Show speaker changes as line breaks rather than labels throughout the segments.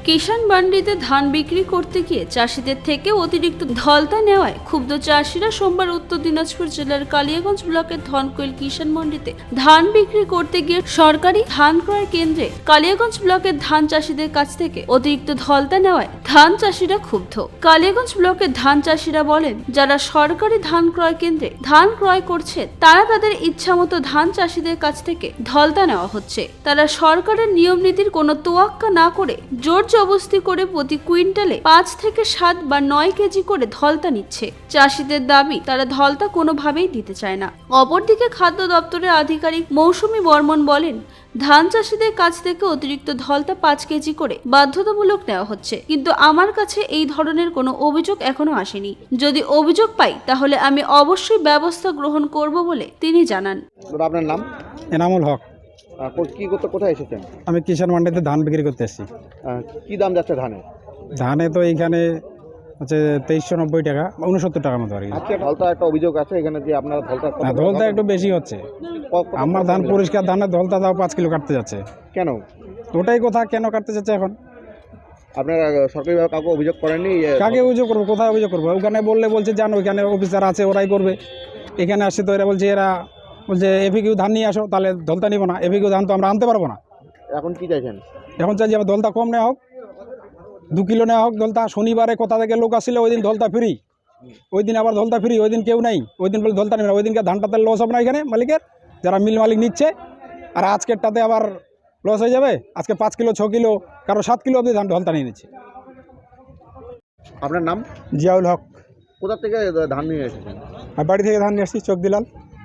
কিষাণ মান্ডিতে ধান বিক্রি করতে গিয়ে চাষিদের থেকে অতিরিক্ত ধলতা নেওয়ায় ক্ষুব্ধ চাষিরা সোমবার উত্তর দিনাজপুর জেলার কালিয়াগঞ্জ ব্লকের ধনকৈল কিষাণ মান্ডিতে ধান বিক্রি করতে গিয়ে সরকারি ধান ক্রয় কেন্দ্রে কালিয়াগঞ্জ ব্লকের ধান চাষিদের কাছ থেকে অতিরিক্ত ধলতা নেওয়ায় ধান চাষিরা ক্ষুব্ধ। কালিয়াগঞ্জ ব্লকের ধান চাষিরা বলেন, যারা সরকারি ধান ক্রয় কেন্দ্রে ধান ক্রয় করছে তারা তাদের ইচ্ছামতো ধান চাষিদের কাছ থেকে ধলতা নেওয়া হচ্ছে। তারা সরকারের নিয়ম নীতির কোনো তোয়াক্কা না করে জোর জবরদস্তি করে প্রতি কুইন্টালে 5 থেকে 7 বা 9 কেজি করে ধলতা নিচ্ছে। চাষিদের দাবি, তারা ধলতা কোনোভাবেই দিতে চায় না। অপরদিকে খাদ্য দপ্তরের আধিকারিক মৌসুমী বর্মন বলেন, ধান চাষিদের কাছ থেকে অতিরিক্ত ধলতা 5 কেজি করে বাধ্যতামূলক নেওয়া হচ্ছে, কিন্তু আমার কাছে এই ধরনের কোনো অভিযোগ এখনো আসেনি। যদি অভিযোগ পাই তাহলে আমি অবশ্যই ব্যবস্থা গ্রহণ করব বলে তিনি জানান।
আপনার নাম?
এনামুল হক।
কি করতে কোথায় এসেছেন?
আমি কিষাণ মান্ডিতে ধান বিক্রি করতে এসেছি।
কি দাম যাচ্ছে ধানের?
ধানে তো এইখানে হচ্ছে 2390 টাকা, 69 টাকার মতো আর কি।
আজকে ধলতা একটা অভিযোগ আছে এখানে যে আপনার
ধলতা একটু বেশি হচ্ছে। আমার ধান পরিষ্কার ধানের ধলতা দাও 5 কিলো কাটতে যাচ্ছে।
কেন?
ওটাই কথা, কেন কাটতে যাচ্ছে এখন?
আপনারা সরকারিভাবে কাউকে অভিযোগ করেননি?
কাকে অভিযোগ করবো, কোথায় অভিযোগ করবো? ওখানে বলছে জানো ওইখানে অফিসার আছে, ওরাই করবে। এখানে আসছে তো এরা বলছে এফিকিউ ধান নিয়ে আসো, তাহলে ধলতা নিব না। এফিকিউ ধান তো আমরা আনতে পারবো না।
এখন কি চাইছেন?
এখন চাই যে আমার ধলতা কম নেওয়া হোক, 2 কিলো নেওয়া হোক ধলতা। শনিবারে কোথা থেকে লোক আসছিল, ওই দিন ধলতা ফ্রি, ওই দিন আবার ধলতা ফ্রি, ওই দিন কেউ নেই, ওই দিন বলে ধলতা নেবে না। ওই দিনকে ধানটাতে লস হবে না এখানে মালিকের, যারা মিল মালিক নিচ্ছে। আর আজকেরটাতে আবার লস হয়ে যাবে। আজকে 5 কিলো 6 কিলো কারো 7 কিলো অবধি ধান ধলতা নিয়ে নিচ্ছে।
আপনার নাম?
জিয়াউল হক।
কোথা থেকে ধান নিয়ে এসেছেন?
আর বাড়ি থেকে ধান নিয়ে আসছি, চোখদিলাল।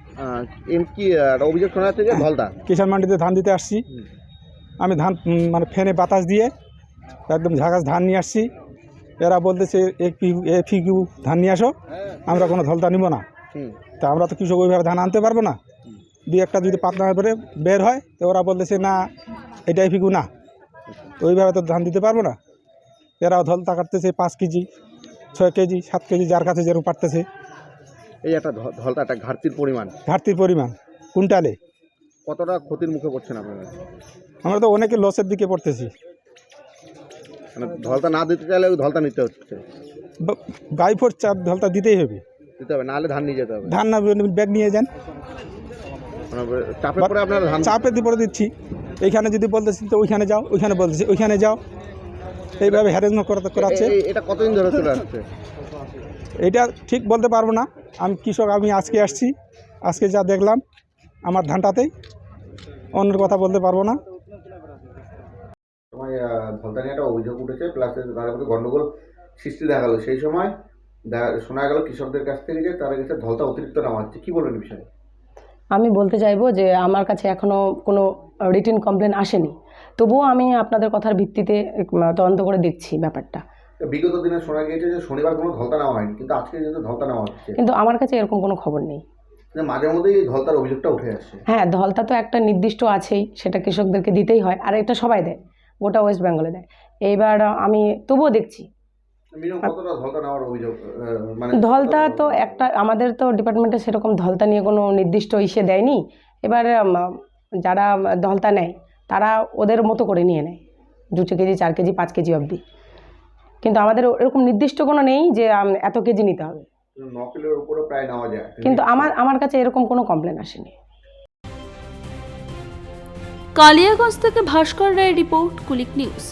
কি একটা অভিযোগ শোনা যাচ্ছে যে ধলতা?
কিষাণ মান্ডিতে ধান দিতে আসছি আমি। ধান মানে ফ্যানে বাতাস দিয়ে একদম ঝাঁকাস ধান নিয়ে আসছি। এরা বলতেছে এফিকিউ ধান নিয়ে আসো, আমরা কোনো ধলতা নিব না। তা আমরা তো কৃষক ওইভাবে ধান আনতে পারবো না। 2-1টা যদি পাতলা করে বের হয় তো ওরা বলতেছে না, এটা এফিকিউ না, তো ওইভাবে তো ধান দিতে পারবো না। এরাও ধলতা কাটতেছে 5 কেজি 6 কেজি 7 কেজি, যার কাছে যেরকম পারতেছে।
এই একটা ধলতা একটা ঘাটতির
পরিমাণ কুইন্টালে
কতটা ক্ষতির মুখে পড়ছেন আপনারা?
আমরা তো অনেকে লসের দিকে পড়তেছি।
মানে ধলতা না দিতে চাইলে ওই ধলতা নিতে হচ্ছে।
বাই ফোর চাপ ধলতা দিতেই হবে,
নাহলে ধান নিয়ে যেতে হবে।
ধান না ব্যাগ নিয়ে যান।
চাপে পড়ে আপনারা ধান
চাপে পরে দিচ্ছি। এইখানে যদি বলতেছি তো ওইখানে যাও, ওইখানে বলতেছি ওইখানে যাও, এইভাবে হ্যারাসমেন্ট করাচ্ছে।
এটা কতদিন ধরে চলে আসছে?
এটা ঠিক বলতে পারবো না। আমি কৃষক, আমি আজকে আসছি, আজকে যা দেখলাম আমার ধানটাতেই, অন্যের কথা বলতে পারবো না।
সময় ধলতা নিয়ে একটা অভিযোগ উঠেছে, প্লাস তার মধ্যে গন্ডগোল সৃষ্টি দেখা গেল। সেই সময় শোনা গেল কৃষকদের কাছ থেকে যে তারা কাছে ধলতা অতিরিক্ত নেওয়া হচ্ছে। কি বলবেন বিষয়ে?
আমি বলতে চাইবো যে আমার কাছে এখনও কোনো রিটেন কমপ্লেন আসেনি, তবুও আমি আপনাদের কথার ভিত্তিতে তদন্ত করে দেখছি ব্যাপারটা।
বিগত দিনে শোনা গিয়েছে যে শনিবার কোনো ধলতা নেওয়া হয়নি, কিন্তু আজকে কিন্তু ধলতা নেওয়া হচ্ছে।
কিন্তু আমার কাছে এরকম কোনো খবর নেই।
মাঝে মধ্যেই এই ধলতার অভিযোগটা উঠে আসছে।
হ্যাঁ, ধলতা তো একটা নির্দিষ্ট আছেই, সেটা কৃষকদেরকে দিতেই হয়, আর এটা সবাই দেয়, গোটা ওয়েস্ট বেঙ্গলে দেয়। এইবার আমি তবুও দেখছি ধলতা তো একটা, আমাদের তো ডিপার্টমেন্টে সেরকম ধলতা নিয়ে কোনো নির্দিষ্ট ইসে দেয়নি। এবার যারা ধলতা নেয় তারা ওদের মতো করে নিয়ে নেয় 2 কেজি 4 কেজি 5 কেজি অবধি, কিন্তু আমাদের এরকম নির্দিষ্ট কোনো নেই যে এত কেজি নিতে হবে।
9 কিলোর উপরে প্রায় নেওয়া যায়,
কিন্তু আমার কাছে এরকম কোনো কমপ্লেন আসেনি।
কালিয়াগঞ্জ থেকে ভাস্কর রায়ের রিপোর্ট, কুলিক নিউজ।